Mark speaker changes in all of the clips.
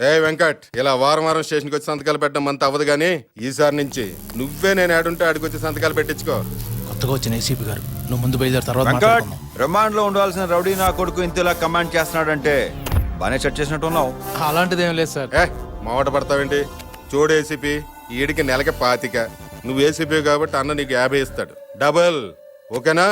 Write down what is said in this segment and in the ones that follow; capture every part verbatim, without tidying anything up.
Speaker 1: ఏ వెంకట్, ఇలా వారం వారం స్టేషన్కి వచ్చి సంతకాలు పెట్టడం అంత అవ్వదు కానీ ఈసారి నుంచి నువ్వే నేను ఆడుంటే ఆడికి వచ్చి సంతకాలు పెట్టించుకో.
Speaker 2: కొత్తగా వచ్చిన ఏసీపీ గారు, నువ్వు ముందు బయలుదేరి తర్వాత
Speaker 3: వెంకట్,
Speaker 2: మాట్లాడుకుందాం.
Speaker 3: రిమాండ్ లో ఉండాల్సిన రౌడీ నా కొడుకు ఇంతలా కమాండ్ చేస్తున్నాడంటే బానే సెట్ చేసినట్టు ఉన్నావు.
Speaker 2: అలాంటిది ఏం లేదు సార్.
Speaker 1: ఏ మావట పడతావేంటి? చూడు ఏసీపీ, ఈడికి నెలకి పాతిక, నువ్వు ఏసీపీ కాబట్టి అన్న నీకు యాభై ఇస్తాడు, డబల్. ఓకేనా?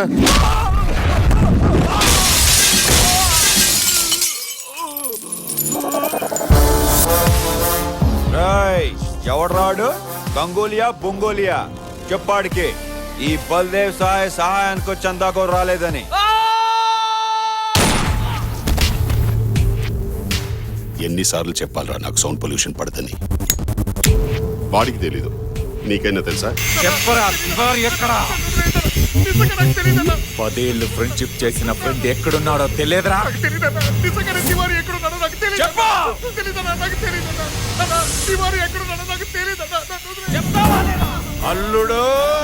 Speaker 3: ఎవడు రాడు? గంగోలియా బొంగోలియా చెప్పాడికి ఈ బల్దేవ్ సహాయ సహాయానికి చందాకో రాలేదని.
Speaker 4: ఎన్నిసార్లు చెప్పాలరా నాకు సౌండ్ పొల్యూషన్ పడదని? వాడికి తెలీదు, నీకైనా తెలుసా?
Speaker 3: చెప్పరా ఎక్కడ? పదేళ్ళు ఫ్రెండ్షిప్ చేసిన ఫ్రెండ్ ఎక్కడున్నాడో తెలియదురా? అల్లుడు,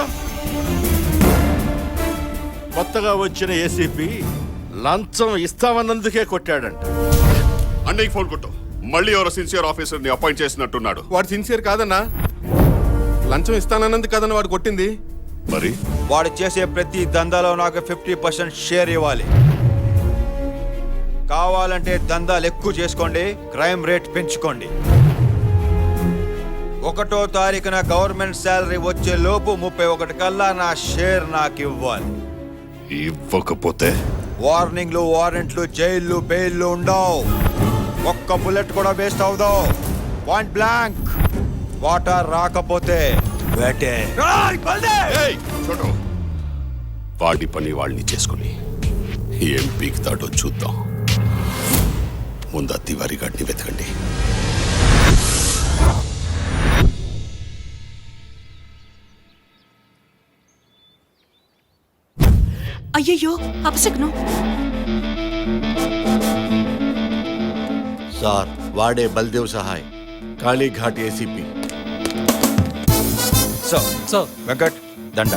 Speaker 5: కొత్తగా వచ్చిన ఏసీపీ లంచం ఇస్తామన్నందుకే కొట్టాడంట.
Speaker 4: అన్నయ్య ఫోన్ కొట్టు. మళ్ళీ ఎవరో సిన్సియర్ ఆఫీసర్ ని అపాయింట్ చేసినట్టున్నాడు.
Speaker 1: వాడు సిన్సియర్ కాదన్నా, లంచం ఇస్తానన్నందుకు కాదన్న వాడు కొట్టింది.
Speaker 4: మరి
Speaker 3: వాడు చేసే ప్రతి దందాలో నాకు ఫిఫ్టీ పర్సెంట్ షేర్ ఇవ్వాలి. కావాలంటే దందాలు ఎక్కువ చేసుకోండి, క్రైమ్ రేట్ పెంచుకోండి. ఒకటో తారీఖున గవర్నమెంట్ శాలరీ వచ్చే లోపు ముప్పై ఒకటి కల్లా నా షేర్ నాకు ఇవ్వాలి.
Speaker 4: ఇవ్వకపోతే
Speaker 3: వార్నింగ్లు, వారెంట్లు, జైళ్ళు, బెయిల్లు ఉండవు. ఒక్క బుల్లెట్ కూడా వేస్ట్ అవుదావు. Point blank. వాటర్ రాకపోతే వేటే.
Speaker 4: ఏయ్, చూడు, వాడి పని వాళ్ళని చేసుకుని ఏం పీకుతాడో చూద్దాం. ముందు తివారీ గాడిని వెతకండి.
Speaker 6: అయ్యయ్యో, అపశకునం.
Speaker 5: సార్, వాడే Baldev Sahay, Kalighat ACP.
Speaker 3: So so Venkat, దండ.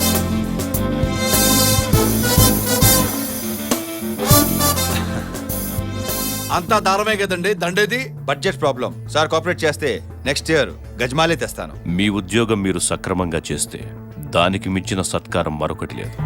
Speaker 5: అంతా దారమే కదండి దండేది.
Speaker 3: Budget problem sir. కోఆపరేట్ చేస్తే నెక్స్ట్ ఇయర్ గజమాలే తెస్తాను.
Speaker 7: మీ ఉద్యోగం మీరు సక్రమంగా చేస్తే దానికి మించిన సత్కారం మరొకటి లేదు.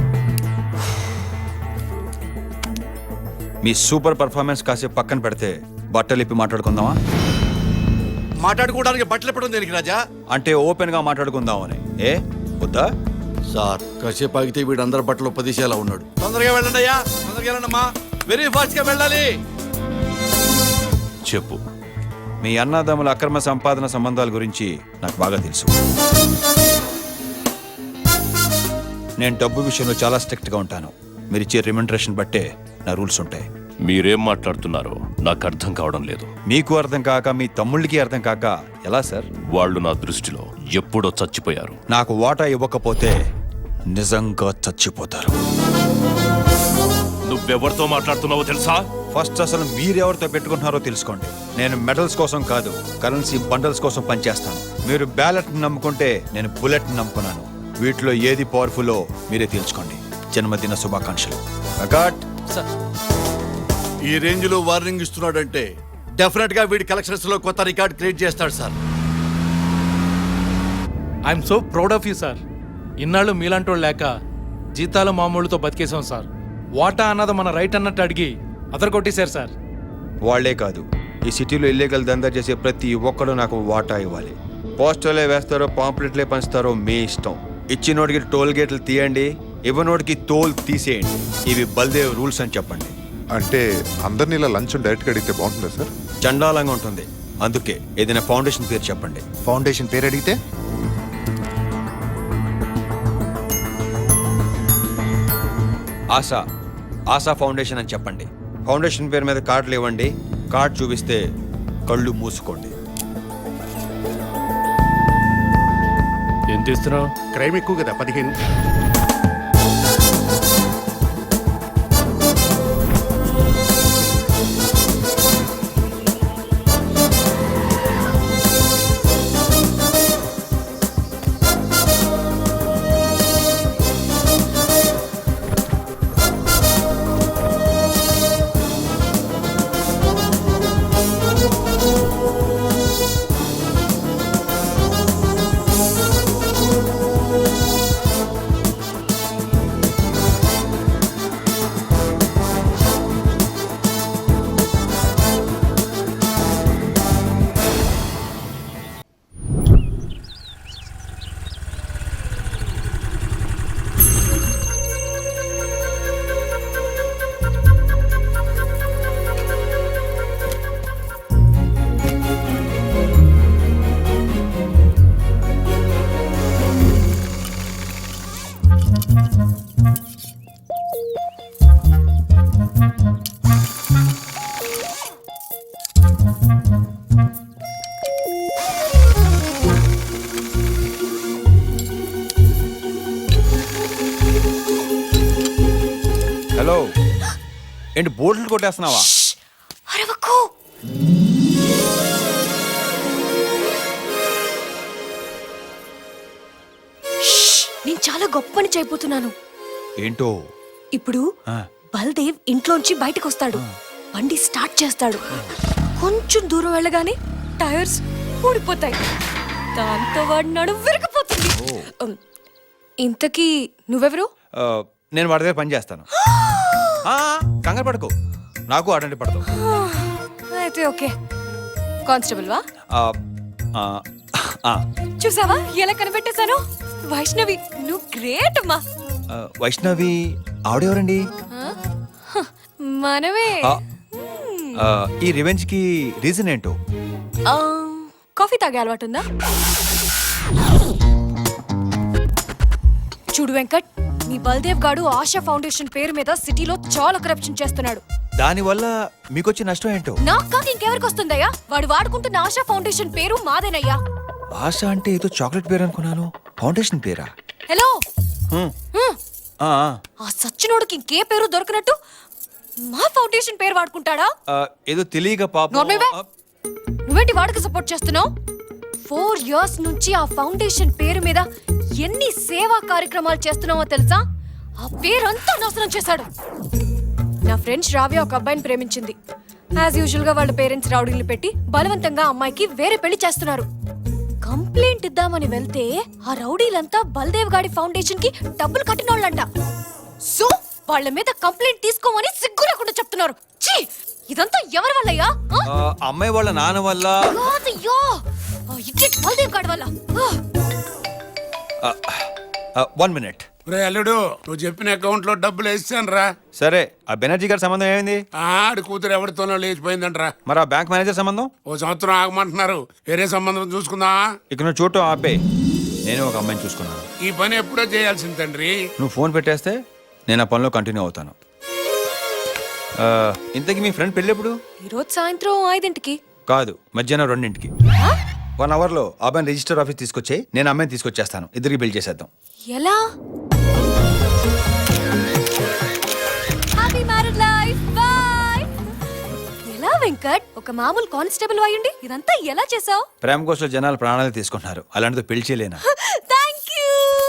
Speaker 3: మీ సూపర్ పర్ఫార్మెన్స్ కాసేపు పక్కన పెడితే బట్టలు ఇప్పి మాట్లాడుకుందామా?
Speaker 5: మాట్లాడుకోవడానికి బట్టలు ఎప్పడం దేనికి రాజా?
Speaker 3: అంటే ఓపెన్ గా మాట్లాడుకుందామని. ఏ వద్దా?
Speaker 5: సార్, కాసేపు ఆగితే వీడు అందరి బట్టలు పదిసేలా ఉన్నాడు. తొందరగా వెళ్ళండి అయ్యా, తొందరగా వెళ్ళండమ్మా, వెరీ ఫాస్ట్ గా వెళ్ళాలి.
Speaker 7: చెప్పు.
Speaker 3: మీ అన్నదమ్ముల అక్రమ సంపాదన సంబంధాల గురించి నాకు బాగా తెలుసు. నేను డబ్బు విషయంలో చాలా స్ట్రిక్ట్ గా ఉంటాను. మీరు ఇచ్చే రిమండరేషన్ బట్టే నా రూల్స్ ఉంటాయి.
Speaker 7: మీరేం మాట్లాడుతున్నారో నాకు అర్థం కావడం లేదు.
Speaker 3: మీకు అర్థం కాక మీ తమ్ముళ్ళకి అర్థం కాక ఎలా సార్?
Speaker 7: వాళ్ళు నా దృష్టిలో ఎప్పుడో చచ్చిపోయారు.
Speaker 3: నాకు వాటా ఇవ్వకపోతే నిజంగా చచ్చిపోతారు.
Speaker 7: నువ్వెవరితో మాట్లాడుతున్నావో తెలుసా?
Speaker 3: ఫస్ట్ అసలు మీరెవరితో పెట్టుకుంటున్నారో తెలుసుకోండి. నేను మెడల్స్ కోసం కాదు, కరెన్సీ బండల్స్ కోసం పనిచేస్తాను. మీరు బ్యాలెట్ నమ్ముకుంటే నేను బుల్లెట్ నమ్ముకున్నాను. వీటిలో ఏది పవర్ఫుల్లో మీరే తెలుసుకోండి. జన్మదిన శుభాకాంక్షలు.
Speaker 5: ఈ రేంజ్ లో వార్నింగ్ ఇస్తున్నాడంటే డెఫినెట్ గా వీడి కలెక్షన్స్ లో కొత్త రికార్డ్ క్రియేట్ చేస్తాడు sir.
Speaker 2: I'm so proud of you sir. ఇన్నాళ్ళు మీలాంటోళ్ళు లేక జీతాలు మామూలుతో బతికేసాం సార్. వాటా అన్నది మన రైట్ అన్నట్టు అడిగి అదర్ కొట్టేశారు సార్.
Speaker 3: వాళ్లే కాదు, ఈ సిటీలో ఇల్లీగల్ దందా చేసే ప్రతి ఒక్కడు నాకు వాటా ఇవ్వాలి. పోస్టర్లే వేస్తారో పాంప్లెట్లే పంచుతారో మీ ఇష్టం. ఇచ్చినోడికి టోల్ గేట్లు తీయండి, ఇవ్వనోడికి తోల్ తీసేయండి. ఇవి బల్దేవ్ రూల్స్ అని చెప్పండి.
Speaker 8: అంటే అందరినీ ఇలా లంచం డైరెక్ట్గా అడిగితే బాగుంటుందా సార్?
Speaker 3: చండాలంగా ఉంటుంది. అందుకే ఏదైనా ఫౌండేషన్ పేరు చెప్పండి.
Speaker 8: ఫౌండేషన్ పేరు అడిగితే
Speaker 3: ఆశా ఆశా ఫౌండేషన్ అని చెప్పండి. ఫౌండేషన్ పేరు మీద కార్డులు ఇవ్వండి. కార్డు చూపిస్తే కళ్ళు మూసుకోండి.
Speaker 2: ఏం తీస్తున్నావు?
Speaker 4: క్రైమ్ ఎక్కువ కదా, పదిహేను.
Speaker 3: ఏంటి బోట్లు కొట్టేస్తున్నావా?
Speaker 6: అరవకు. షష్! నేను చాలా గొప్ప పని చేయబోతున్నాను.
Speaker 3: ఏంటో?
Speaker 6: ఇప్పుడు
Speaker 3: ఆ.
Speaker 6: బల్దేవ్ ఇంట్లోంచి బయటకు వస్తాడు, బండి స్టార్ట్ చేస్తాడు. కొంచెం దూరం వెళ్ళగానే టైర్స్ ఊడిపోతాయి, దాంతో వాడి నడు విరిగిపోతుంది. ఉమ్, ఇంతకీ నువ్వెవరు?
Speaker 3: ఆ, నేను వాడి దగ్గర పని చేస్తాను. ఆ, కంగారు పడుకో, నాకు అటెండ్ పడతావు.
Speaker 6: అయితే ఓకే. కానిస్టేబుల్ వా?
Speaker 3: ఆ, ఆ, ఆ,
Speaker 6: చూసావా ఎలా కనిపెట్టేశాను? వైష్ణవి, నువ్వు గ్రేట్ అమ్మా.
Speaker 3: ఆ, వైష్ణవి ఆవిడెవరండి?
Speaker 6: ఆ? హ, మనమే.
Speaker 3: ఆ, ఆ, ఈ రివెంజ్ కి రీజన్ ఏంటో?
Speaker 6: ఆ, కాఫీ తాగే అలవాటు ఉందా? చూడు వెంకట్, మీ బల్దేవ్ గాడు ఆశా ఫౌండేషన్ పేరు మీద సిటీలో చాలా కరప్షన్ చేస్తున్నాడు.
Speaker 3: దానివల్ల మీకొచ్చే నష్టం ఏంటో?
Speaker 6: నాకు కాక ఇంకెవరికి వస్తుందయ్యా? వాడు వాడుకుంటున్న ఆశా ఫౌండేషన్ పేరు మాదేనయ్యా.
Speaker 3: ఆశ అంటే ఏదో చాక్లెట్ పేరు అనుకున్నాను. ఫౌండేషన్ పేరా?
Speaker 6: హలో,
Speaker 3: హ్మ్.
Speaker 6: హ్మ్.
Speaker 3: ఆ, ఆ.
Speaker 6: ఆ సచ్చినోడికి ఇంకే పేరు దొరకనట్టు మా ఫౌండేషన్ పేరు వాడుకుంటాడా?
Speaker 3: ఆ, ఏదో తెలియక పాపం.
Speaker 6: నోర్మేవే.
Speaker 3: ఆ,
Speaker 6: నువ్వేంటి వాడికి సపోర్ట్ చేస్తున్నావు? ఫోర్ ఇయర్స్ నుంచి ఆ ఫౌండేషన్ పేరు మీద ఎన్ని సేవా కార్యక్రమాలు చేస్తున్నావో తెలుసా? ఆ పేరంతా నాశనం చేశాడు. నా ఫ్రెండ్ శ్రావ్య ఒక అబ్బాయిని ప్రేమించింది. యాజ్ యూజువల్ గా వాళ్ళ పేరెంట్స్ రౌడీలు పెట్టి బలవంతంగా అమ్మాయికి వేరే పెళ్లి చేస్తున్నారు. కంప్లైంట్ ఇద్దామని వెళ్తే ఆ రౌడీలంతా బల్దేవ్ గాడి ఫౌండేషన్ కి డబ్బులు కట్టినోళ్ళంట. సో వాళ్ళ మీద కంప్లైంట్ తీసుకోమని సిగ్గు లేకుండా చెప్తున్నారు. ఛీ! ఇదంతా ఎవరి వల్లయ్యా? ఆ?
Speaker 3: ఆ, అమ్మాయి వాళ్ళ నాన్న వల్ల.
Speaker 6: కాదయ్యో, ఆ ఇడియట్ బల్దేవ్ గాడి వల్ల. ఆ.
Speaker 3: One minute.
Speaker 9: రే అల్లుడు, నువ్వు చెప్పిన అకౌంట్ లో డబ్బులు వేసాను రా.
Speaker 3: సరే, ఆ బెనర్జీ గారి సంబంధం ఏమైంది?
Speaker 9: ఆడి కూతురు ఎవరితోనో లేచిపోయిందంట్రా.
Speaker 3: మరి ఆ బ్యాంక్ మేనేజర్ సంబంధం?
Speaker 9: ఓ సంవత్సరం ఆగమంటున్నారు. వేరే సంబంధం చూసుకుందా?
Speaker 3: ఇక నువ్వు చూడటం ఆపే. నేను ఒక అమ్మాయిని చూసుకున్నాను.
Speaker 9: ఈ పని ఎప్పుడో చేయాల్సింది తండ్రి.
Speaker 3: నువ్వు ఫోన్ పెట్టేస్తే నేను ఆ పనిలో కంటిన్యూ అవుతాను. ఆ, ఇంతకీ మీ ఫ్రెండ్ పెళ్ళి ఎప్పుడు?
Speaker 6: ఈరోజు సాయంత్రం ఐదింటికి.
Speaker 3: కాదు, మధ్యాహ్నం రెండింటికి. వన్ అవర్ లో అబ్బాయిని రిజిస్టర్ ఆఫీస్ తీసుకొచ్చి నేను అమ్మాయిని తీసుకొచ్చేస్తాను. ఇద్దరికి బిల్ చేసేద్దాం.
Speaker 6: ఎలా? Happy marriage life. బై. ఎలా వెంకట్, ఒక మామూలు కానిస్టేబుల్ అయ్యుండి ఇదంతా ఎలా చేసావు?
Speaker 3: ప్రేమ కోసం జనాలు ప్రాణాలు తీసుకుంటున్నారు, అలాంటిది పెళ్లి చేయలేనా?
Speaker 6: Thank you.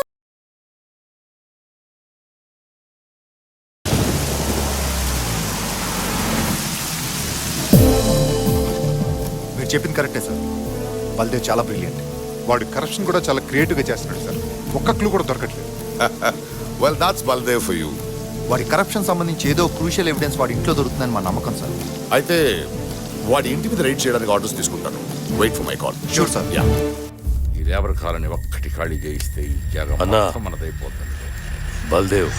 Speaker 8: మీరు చెప్పింది కరెక్టే సార్. బల్దేవ్ చాలా బ్రిలియంట్. వాడు కరప్షన్ కూడా చాలా క్రియేటివ్ గా చేస్తున్నాడు సార్. ఒక్క క్లూ కూడా దొరకట్లేదు.
Speaker 4: Well that's Baldev for you.
Speaker 10: వాడి కరప్షన్ సంబంధించి ఏదో క్రూషియల్ ఎవిడెన్స్ వాడి ఇంట్లో దొరుకుతుందని మా నమ్మకం సార్.
Speaker 4: అయితే వాడి ఇంటి మీద రైడ్ చేయడానికి ఆర్డర్స్ తీసుకుంటాను. Wait for my call.
Speaker 10: Sure sir.
Speaker 4: Yeah.
Speaker 5: ఈ లేబర్ కాలని ఒక్కటి ఖాళీ చేయిస్తే ఈ జాగా
Speaker 7: అన్నా.
Speaker 5: మొత్తం మనదైపోతుంది.
Speaker 7: బల్దేవ్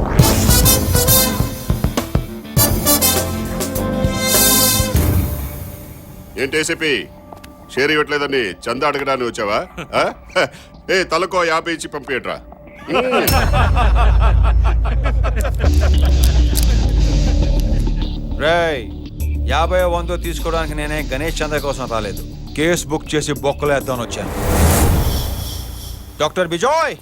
Speaker 4: ఏంటి ఏసీపీ షేర్ ఇవ్వట్లేదని చందా అడగడానికి వచ్చావా? ఆ? ఏ తలకో యాభై ఇచ్చి పంపించట్రా.
Speaker 3: రేయ్, యాభై వందో తీసుకోవడానికి నేనే గణేష్ చంద్ర కోసం రాలేదు. కేసు బుక్ చేసి బొక్కలు వేద్దామని వచ్చాను. డాక్టర్ బిజోయ్,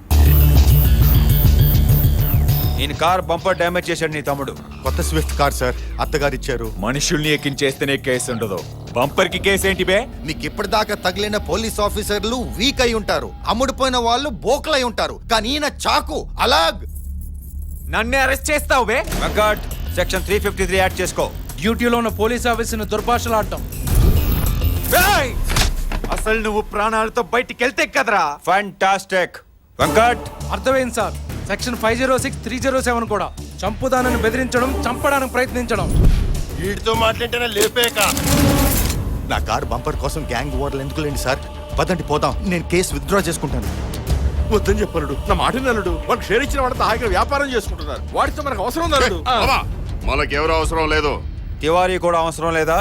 Speaker 3: ఈయన కార్ బంపర్ డ్యామేజ్ చేశాడు నీ తమ్ముడు.
Speaker 10: కొత్త స్విఫ్ట్ కార్ సార్, అత్తగారు ఇచ్చారు.
Speaker 11: మనుషుల్ని ఎక్కించేస్తేనే కేసు ఉండదు. బంపర్ కి కేసు ఏంటి బే?
Speaker 10: మీకు ఇప్పటిదాకా తగిలిన పోలీస్ ఆఫీసర్లు వీక్ అయి ఉంటారు, అమ్ముడుపోయిన వాళ్ళు బోకలై ఉంటారు, కానీ ఈయన చాకు అలాగ్.
Speaker 11: నన్నే అరెస్ట్ చేస్తావు బే?
Speaker 3: Venkat, section three fifty three add చేసుకో.
Speaker 2: డ్యూటీలో ఉన్న పోలీస్ ఆఫీసర్ని దుర్భాషలాడటం.
Speaker 11: ఏయ్! అసలు నువ్వు ప్రాణాలతో బయటికి వెళ్తే కదరా.
Speaker 3: ఫ్యాంటాస్టిక్. వెంకట్,
Speaker 2: అర్థమైంది sir. Section five zero six three zero seven కూడా చంపుదానని బెదిరించడం, చంపడానికి ప్రయత్నించడం.
Speaker 10: వీడితో మాట్లాడితేనే లేపేక. నా కార్ బంపర్ కోసం గ్యాంగ్ ఓవర్లు ఎందుకు లేండి సార్? పదండి పోదాం, నేను కేసు విత్డ్రా చేసుకుంటాను.
Speaker 5: వద్దని చెప్పలుడు, నా మాట నలుడు. వాళ్ళకి షేర్ ఇచ్చిన వాళ్ళతో హాయిగా వ్యాపారం చేసుకుంటున్నారు. వాడితో మనకు అవసరం నలుడు.
Speaker 4: బాబా, మనకెవరూ అవసరం లేదు.
Speaker 3: తివారీ కూడా అవసరం లేదా?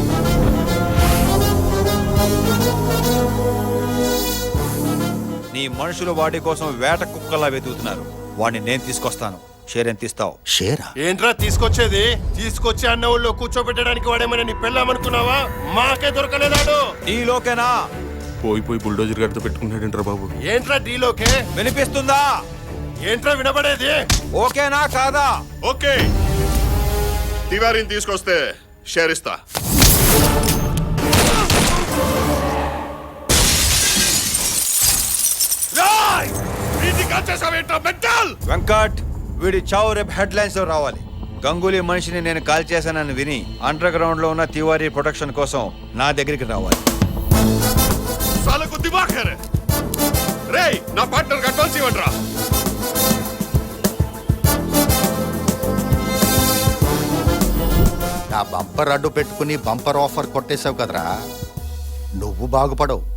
Speaker 3: నీ మనుషులు వాడి కోసం వేట కుక్కలా వెతుకుతున్నారు. వాడిని నేను తీసుకొస్తాను. షేర్ ఎంత ఇస్తావు?
Speaker 10: షేరా?
Speaker 9: ఏంట్రా తీసుకొచ్చేది? తీసుకొచ్చి అన్న ఊళ్ళో కూర్చోబెట్టడానికి వాడేమైనా నీ పెళ్ళామనుకున్నావా? మాకే దొరకలేదాడు.
Speaker 3: నీలోకేనా?
Speaker 1: పోయి పోయి బుల్డోజర్ గారితో పెట్టుకుంటాడంటారా బాబు?
Speaker 9: ఏంట్రా డీలోకే?
Speaker 3: వినిపిస్తుందా?
Speaker 9: ఏంట్రా వినబడేది?
Speaker 3: ఓకేనా కాదా?
Speaker 4: ఓకే. తివారీని తీసుకొస్తే షేర్ ఇస్తా.
Speaker 3: వెంకట్ వీడి చావు రేపు హెడ్ లైన్స్ లో రావాలి. గంగూలీ మనిషిని నేను కాల్ చేశానని విని అండర్ గ్రౌండ్ లో ఉన్న తివారీ ప్రొటెక్షన్ కోసం నా దగ్గరికి రావాలి.
Speaker 4: సాలకు దిమాగ్ హై రే. రేయ్ నా పార్ట్నర్ అడ్వాన్స్ ఇవ్వండిరా.
Speaker 10: నా బంపర్ అడ్డు పెట్టుకుని బంపర్ ఆఫర్ కొట్టేశావు కదరా, నువ్వు బాగుపడవు.